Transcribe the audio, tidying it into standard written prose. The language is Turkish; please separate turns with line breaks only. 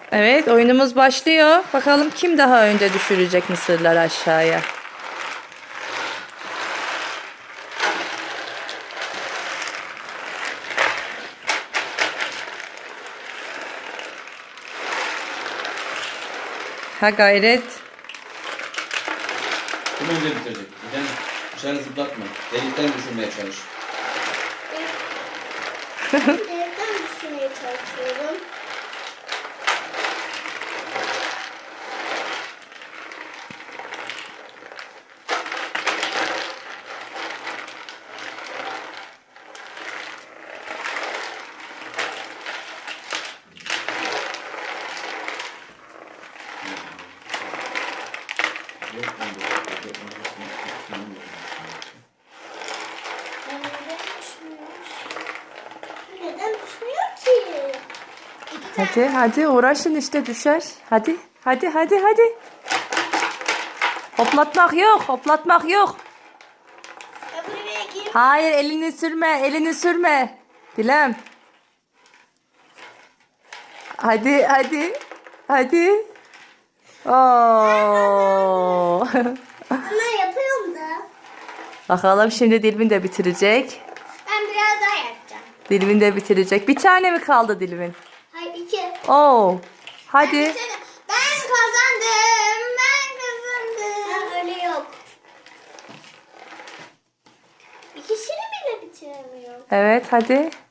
Evet, oyunumuz başlıyor. Bakalım kim daha önce düşürecek mısırları aşağıya. Ha gayret.
Kim önce bitirecek? Giden dışarı zıplatma. Delikten düşürmeye çalış.
Nereden düşünmeye çalışıyorum? Neden düşmüyor ki?
Hadi hadi uğraşın işte düşer. Hadi hadi hadi hadi. Hoplatmak yok, hoplatmak yok.
Ya buraya gir.
Hayır, elini sürme, elini sürme. Dilem. Hadi hadi. Hadi. Oo.
Ama yapıyorum da.
Bakalım şimdi Dilvin de bitirecek.
Ben biraz daha yapacağım.
Dilvin de bitirecek. Bir tane mi kaldı Dilvin?
Hayır 2.
Oo.
Ben
Hadi.
bitirdim. Ben kazandım. Ben kazandım. Öyle yok. İkisini bile bitiremiyorum.
Evet hadi.